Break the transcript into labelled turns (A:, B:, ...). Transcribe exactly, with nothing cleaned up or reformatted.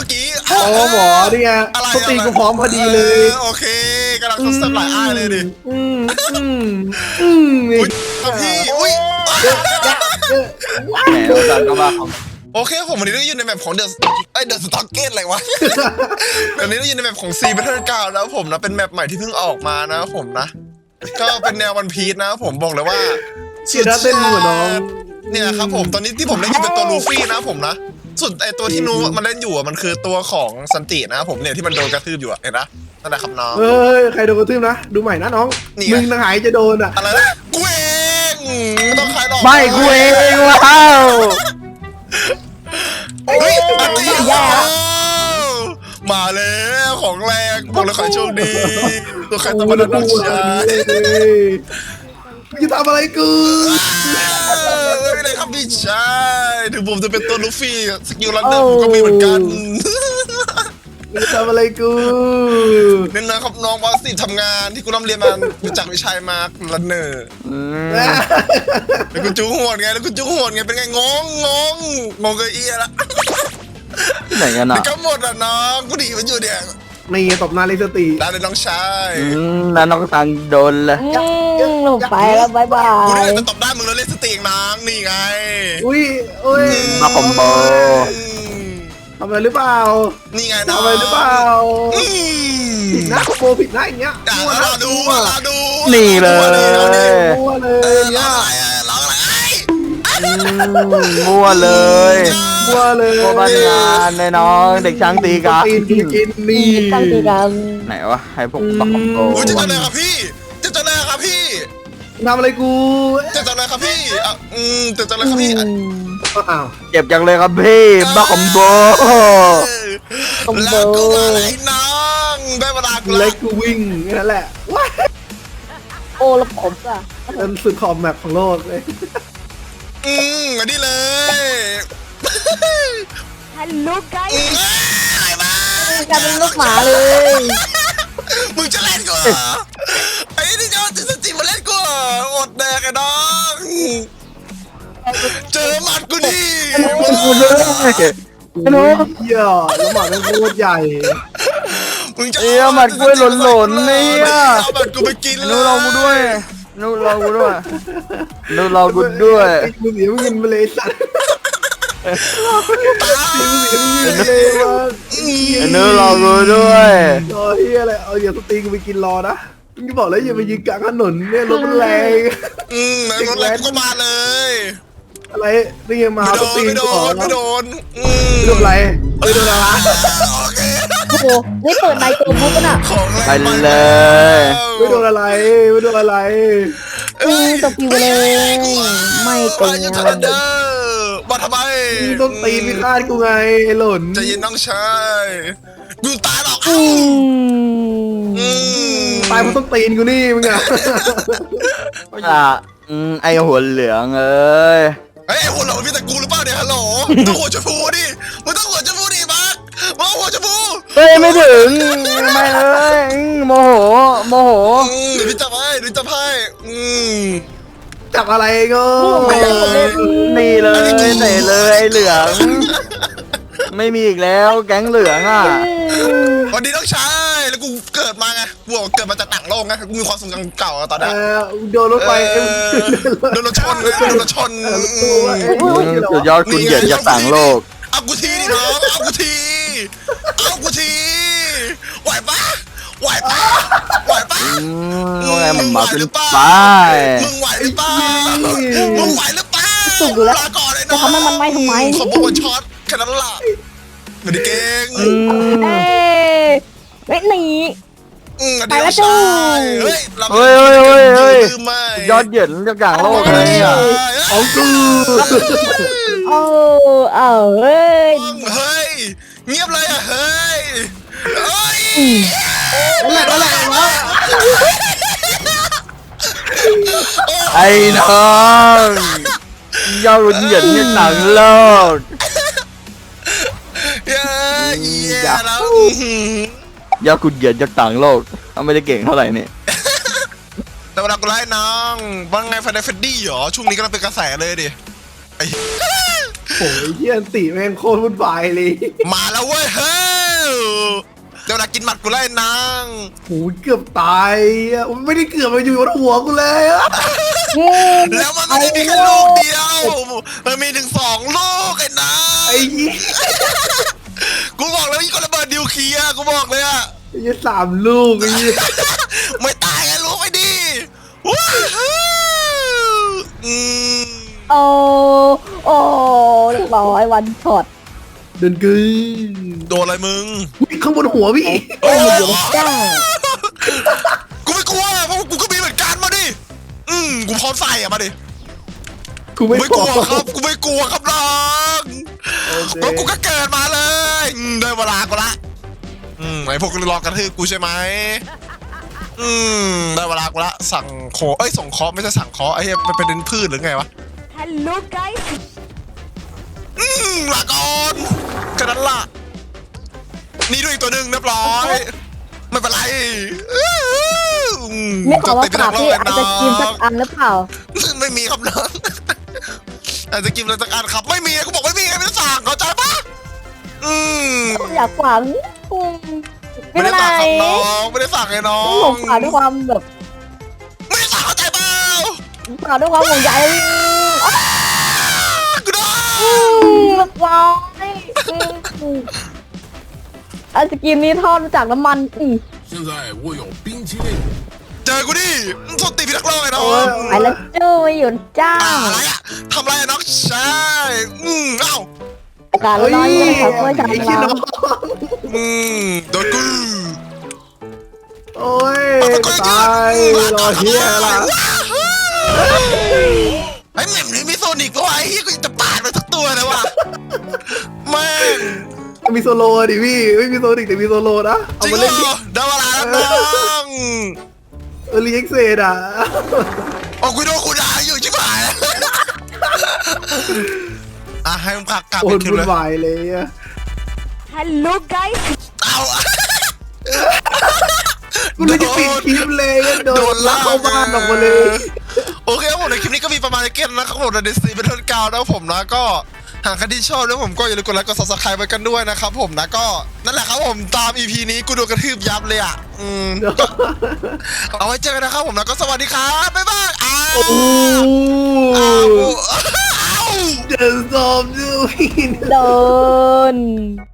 A: มื่อกี้
B: โอ้หมอเนี่ยสตีกูพร้อมพอดีเลย
A: โอเคกำลังทดสอบหลายอ้ายเลยดิ
B: อืมอืมอืมนี่
A: พี่อุ้ย
C: แหมเราจันก็มาของ
A: โอเคผมวันนี้ได้ยินในแมปของเดอะไอเดอะสต็อกเก็ตอะไรวะวันนี้ได้ยินในแมปของซีเบทเทิลเก้าแล้วผมนะเป็นแมปใหม่ที่เพิ่งออกมานะผมนะก็เป็นแนววันพีชนะผมบอกเลยว่า
B: เชียร์เต้นหัวน้อง
A: เนี่ยครับผมตอนนี้ที่ผมเล่นอยู่เป็นตัวลูฟี่นะผมนะส่วนไอตัวที่นูมันเล่นอยู่มันคือตัวของซันตินะผมเนี่ยที่มันโดนกระทืบอยู่เห็นนะนั่นแหละครับน้อง
B: เฮ้ยใครโดนกระทืบนะดูใหม่นะน้องมึงทางไหนจะโดนอ่ะ
A: อะไรนะกูเองไม่ต้องใครหรอก
C: ไม่กูเองว้าว
A: เฮ้ยอันนี้มาแล้วของแรงบอกเลยขอโชคดีตัวใครตัวมันนักชาย
B: จะทำอะไรกู
A: ไม่ได้ครับพี่ชายถึงผมจะเป็นตัวลูฟี่สกิลลันเดอร์ผมก็มีเหมือนกัน
B: จะทำอะไรกู
A: เน้นนะครับน้องบอสสิทำงานที่กูร่ำเรียนมาจากวิชัยมาลันเนอร์แล้วกูจู้หัวไงแล้วกูจู้หัวไงเป็นไงงงงงงงเกอี้ละ
C: ไหนกันอ่ะ
A: ก็หมดอ่ะน้องกูดีมันอยู่เนี่ย
B: ในเงี้ยตบหน้าเลสตี
A: ได้เลยน้องชาย
C: นั่นน้องตังโดนเลย
D: ลงไปแล้วบายบาย
A: กูได้จะตบได้มึงแล้วเลสตีงนางนี่ไง
B: อุ้ยอุ้ย
C: มาคอมโบ
B: ทำอะไรหรือเปล่า
A: นี่ไง
B: ทำอะไรหรือเปล่าผิดนะคอมโบผิดนะอย่างเงี้ย
A: มัวนะดูมัวดู
C: นี่เลย
B: มัวเลยเนี่ย
A: ร้องอะไร
C: มัวเลย
B: มัวเลย
C: โคบ้านงานในน้องเด็กช้างตีกัน
B: ตีกินนี่
D: ตั้งตีกัน
C: ไหนวะให้พวกปักคอมโบ
A: จะจะเลยครับพี่จะจะเลยครับพี่
B: ทำอะไรกู
A: จะจะเลยครับพี่อ่ะอืมจะจะเลยครับพี่
B: อ้าว
C: เจ็บจังเลยครับพี่บ้าคอมโบ
A: แล้วกูอะไรน้องได้เวลากู
B: เล็กกูวิ่งนั่นแหละว้า
D: โอ้แล้วผมอะ
B: เป็นสุดขอบแมปของโลกเลย
A: อืมมาดิเลย
D: ฮัลโหลไกด์
A: อะไรม
D: ากลายเป็นลูกหมาเลย
A: มึงจะเล่นกูเหรอไอ้นี่จะจะสติมาเล่นกูอดแดกไอ้น้องเจอหมัดกูดิ
C: ฮัลโหล
B: เหี้ยแล้วหมัดมันโคตรใหญ่
A: มึงจะ
C: เอ้ยหมัดกูหล่นๆเนี่ย
A: เอาหมัดกูไปกินเลย
C: นู้เรากูด้วยนู้เรากูด้วยนู้เรากูด้วย
B: มึงเสียมึงเงินไปเลยสัตว์
C: นู้เรากูด้วย
B: รอเฮียอะไรเอาอย่าสตีกูไปกินรอนะมึงบอกแล้วอย่าไปยิงกลางถนนเนี่ยรถมันแรง
A: อืมรถแรงก็มาเลย
B: อะไรนี่มาสตี
A: ไม่โดนไม่โดน
B: ไม่โดนอะไรไม่โดนอะไร
D: โอ้โหนี่เปิดไมค์ตัวมุกกันอ่ะ
C: ไปเลย
B: ไม่โดนอะไรไม่โดนอะไร
D: อืมตบผิวเลยไม่เก่ง
A: มาทำไม
B: ต้องตีพิฆาตกูไงหล่น
A: จะยินน้องชายกูตายหรอก
B: ตายมันต้องตีนกูนี่มึงอ่ะ
C: อ่ะไอหัวเหลืองเอ้ย
A: ไอ้หัวเหลืองมีแต่กูหรือเปล่าเนี่ยฮัลโหลต้องหัวชมพูดิมึงต้องหัวชมพูดิบักมาหัวชมพู
C: เฮ้ยไม่ถึงไม่เลยโมโหโมโห
A: เดี๋ยวพี่จับให้เดี๋ยวจับให้
B: จับอะไรก็
C: นี่เลยเตะเลยเหลืองไม่มีอีกแล้วแก๊งเหลืองอ่ะ
A: วันนี้ต้องใช้แล้วกูเกิดมาไงกูเกิดมาจากต่างโลกไงกูมีความทรงจำเก่าตอนนั้น
B: โดนรถไฟ
A: โดนรถชนโดนรถชน
C: สุดยอดคุณเหยียดจากต่างโลก
A: เอากูทีดิน้องเอากูทีเอากูทีไหวปะไหวปะไหวปะ
C: ว่าไงมันมาเป็นไป
A: มึงไหวหรือเปล่ามึงไหวหรือเปล่า
D: สุดอยู่แล้ว
A: ก่อนเลย
D: จะทำให้มันไม่ทำไม
A: ขบวนช็อตแค่นั้นล่ะไม่ได้เก่ง
D: เอ้ยเว้ยหนี
A: ไปแล้วจูเฮ้ย
C: เฮ้ยเฮ้ยเฮ้ยเฮ้ยยอดเหยียดจากต่างโลกเลยอ่ะ
B: ของกู
D: โอ้เออเฮ้ย
A: เฮ้ยเงียบเลยอ่ะเฮ้ยเฮ้ย
B: อะไรอะไรวะ
C: ไอ้น้องยอดเหยียดจากต่างโลก
A: เย้เย้แล้ว
C: ยอดคุณเหยียดจากต่างโลกเขาไม่ได้เก่งเท่าไหร่นี่
A: แต่เวลากูไล่น้องว่าไงฟันเดฟเฟดดี้เหรอช่วงนี้กำลังเป็นกระแสเลยดิไอ้
B: โอ้ยเฮียตีแม่งโคตรวุ่นวายเลย
A: มาแล้วเว้ยเฮ้ยเดี๋ยวนะกินหมัดกูไล่นาง
B: โอ้ยเกือบตายอ่ะไม่ได้เกือบมาอยู่บนหัวกูเลยอะ
A: แล้วมันไม่ได้มีแค่ลูกเดียวมันมีถึงสองลูกไอ้นาง
B: ไอ้ยี่
A: กูบอกแล้วมีคนระเบิดนิวเคลียร์กูบอกเลยอะ
B: ไอ้ยี่สามลูกไอ้ยี่
A: ไม่ตายไงลูกไม่ดีว้าวอืม
D: โอ้โอ้เรียบร้อยวันช็อต
B: เดินกึย
A: โดนอะไรมึง
B: อุ๊ยข้างบนหัวพี่
D: โอ้ยเดี๋ยวจ้า
A: กูไม่กลัวเพราะกูก็มีเหมือนกันมาดิอืมกูพร้อมใส่อะมาดิ
B: กูไม่
A: ไม่
B: ก
A: ก
B: ลั
A: ลั
B: ว
A: วครับ กูไม่กลัวครับน้อง
B: โอเค
A: เพราะกูก็เกิดมาเลยอืมได้เวลากูละอืมไอพวกรอกระทืบกูใช่ไหมอืมได้เวลากูละสั่งโคเอ้ยส่งเคอไม่ใช่สั่งเคอไอ้เหี้ยมันเป็นดินพืชหรือไงวะ
D: Hello guys
A: อืมลาก่อนแค่นั้นล่ะนี่ด้วยอีกตัวหนึ่งเรียบร้อย ไม่เป็นไรอืม
D: ไม่ขอว่า
A: ติดไป
D: ฝา
A: ทั้
D: ก
A: งโล
D: พี่
A: ก
D: อาจจะกินสักอันหรือเปล่า
A: ไม่มีครับน้องอาจจะกินอะไรสักอันครับไม่มีกูบอกไม่มีไงไม่ได้สั่งเข้าใจปะอืม
D: อยากฝังอืมไม่
A: ไม่
D: เป็
A: ได้
D: นไร
A: สั่งครับน้องไม่ได้สั่งไงน้อง
D: ผมฝากด้วยความแบบ
A: ไม่ได้สั่งเข้าใจเปล่า
D: ฝากด้วยความห่วงใย
A: กูโด
D: อื
A: น
D: มเรียบร้อยอืมไอศกรีมนี้ทอดมาจากน้ำมันอืม
E: 现在我有冰淇淋。
A: เจอกูดิส้นตีนพี่นักโลกไอ้น้อง
D: ไปแล้วจู้ไม่หยุดจ้า
A: อ่าอะไรอะทำอะไรอะน้องใช่อืมเอ้า
D: อากาศร้อนๆเลยค่ะเพื่อชา
B: ไอ้ขี้น้
D: ล้า
B: อง
A: อืมโดนกู
B: โอ้ยตายรอเฮียละ
A: ไอ้แหม่มนี่มีโซนิกด้วยไอ้เหี้ยกูจะปาดไปทุกตัวเลยว่ะแม่ง
B: มีโซโล่ดิพี่ไม่มีโซนิกแต่มีโซโล่นะเอา
A: จริง
B: มา
A: เหร
B: เล่นดิ
A: อได้เวลาแล้วน้อง
B: เออรีเอ็กเซดอ่ะ
A: โอ้กูโดนกูด่าอยู่ชิบหายอ่ะให้มึงพักกลับ
B: โอ้
A: ไป
B: ย
A: คิว
B: วุ่
A: เล
B: น
A: ย
B: วายเลยอะ
D: Hello guys
A: เอา
B: กูเลยจะปิดคลิปเลยโดนลากเข้าบ้านออกมาเลย
A: โอเคครับผมในคลิปนี้ก็มีประมาณนี้เกนนะครับผมในดิสนีย์เป็นต้นกาวนะครับผมนะก็หากใครที่ชอบแล้วผมก็อย่าลืมกดไลค์กด ซับสไครบ์ ไว้กันด้วยนะครับผมนะก็นั่นแหละครับผมตาม อี พี นี้กูโดนกระทืบยับเลยอ่ะอืมเอาไว้เจอกันนะครับผมนะก็สวัสดีครับบ๊ายบายอ้าว
B: โอ้
A: อ้าวอ้าว
B: เดินซอมด้วย
D: โดน